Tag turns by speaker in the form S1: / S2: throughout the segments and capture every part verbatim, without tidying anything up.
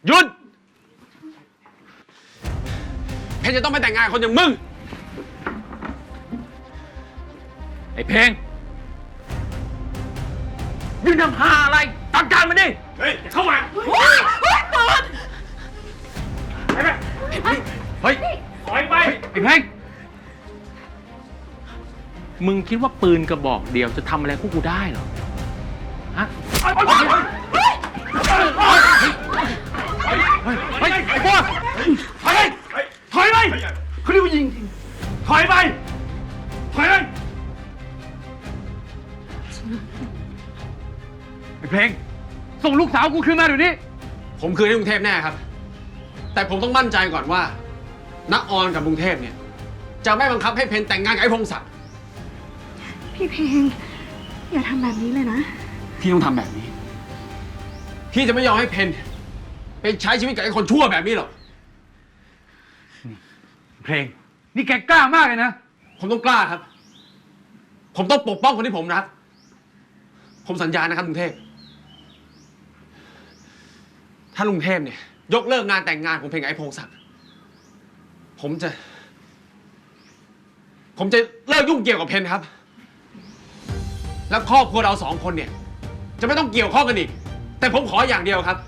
S1: หยุดเพนจะต้องไปแต่งงานคนอย่างมึงไอ้เพลงยืนทำหาอะไรตัดการมันดิเฮ้ยเข้ามาเฮ้ยเฮ้ยเปิดไปไปเฮ้ยถอยไปไอ้เพลงมึงคิดว่าปืนกระบอกเดียวจะทำอะไรพวกกูได้เหรอฮะเฮ้ยเฮ้ยไอ้พวกถอยไปถอยไปเขาเรียกว่ายิงถอยไปถอยไปไอ้เพลงส่งลูกสาวกูคืนมาเดี๋ยวนี้ผมคืนให้กรุงเทพแน่ครับแต่ผมต้องมั่นใจก่อนว่าณออนกับกรุงเทพเนี่ยจะไม่บังคับให้เพนแต่งงานกับไอ้พงศักดิ์
S2: พี่เพลงอย่าทำแบบนี้เลยนะ
S1: พี่ต้องทำแบบนี้พี่จะไม่ยอมให้เพนไปใช้ชีวิตกับไอ้คนชั่วแบบนี้หรอกเพลงนี่แกกล้ามากเลยนะผมต้องกล้าครับผมต้องปกป้องคนที่ผมรักผมสัญญานะครับลุงเทพถ้าลุงเทพเนี่ยยกเลิกงานแต่งงานของเพลงไอ้พงศักดิ์ผมจะผมจะเลิกยุ่งเกี่ยวกับเพนครับแล้วครอบครัวเราสองคนเนี่ยจะไม่ต้องเกี่ยวข้องกันอีกแต่ผมขออย่างเดียวครับ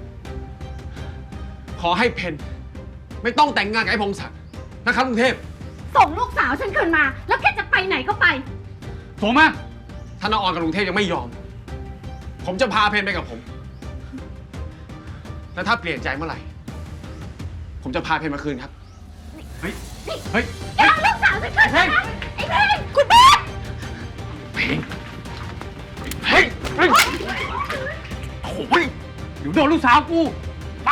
S1: ขอให้เพนไม่ต้องแต่งงานกับไอ้พงศักดิ์นะครับลุงเทพ
S2: ส่งลูกสาวฉันคืนมาแล้วแกจะไปไหนก็ไป
S1: ส่งมาถ้าน้าออนกับลุงเทพยังไม่ยอมผมจะพาเพนไปกับผมแล้วถ้าเปลี่ยนใจเมื่อไหร่ผมจะพาเพนมาคืนครับเฮ้ยเฮ้ย
S2: แกเอาลูกสาวฉันคืนมานะไอ้เพลงคุณเพลง
S1: เพลงเฮ้ยเฮ้ยโอ้ยเดี๋ยวโดนลูกสาวกูไป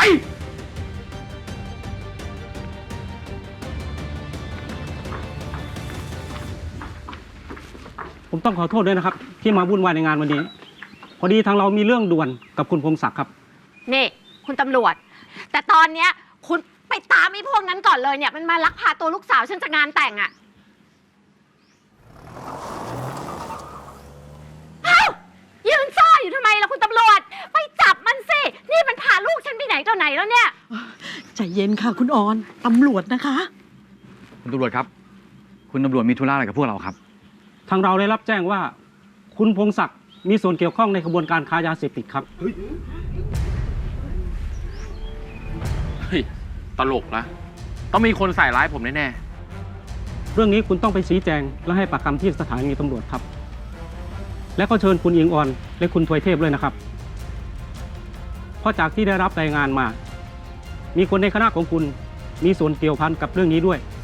S3: ผมต้องขอโทษด้วยนะครับที่มาวุ่นวายในงานวันนี้พอดีทางเรามีเรื่องด่วนกับคุณพงศักดิ์ครับ
S2: นี่คุณตำรวจแต่ตอนเนี้ยคุณไปตามไอ้พวกนั้นก่อนเลยเนี่ยมันมาลักพาตัวลูกสาวฉันจากงานแต่งอะเอ้ายืนซ่ออยู่ทำไมล่ะคุณตำรวจไปจับมันสินี่มันพาลูกฉันไปไหนต่อไหนแล้วเนี่ย
S4: ใจเย็นค่ะคุณออนตำรวจนะคะ
S5: คุณตำรวจครับคุณตำรวจมีธุระอะไรกับพวกเราครับ
S3: ทางเราได้รับแจ้งว่าคุณพงศักดิ์มีส่วนเกี่ยวข้องในกระบวนการค้ายาเสพติดครับ
S1: เฮ้ยตลกนะต้องมีคนใส่ร้ายผมแน่
S3: ๆเรื่องนี้คุณต้องไปชี้แจงและให้ปากคำที่สถานีตำรวจครับและก็เชิญคุณอิงออนและคุณทวยเทพด้วยนะครับเพราะจากที่ได้รับรายงานมามีคนในคณะของคุณมีส่วนเกี่ยวพันกับเรื่องนี้ด้วย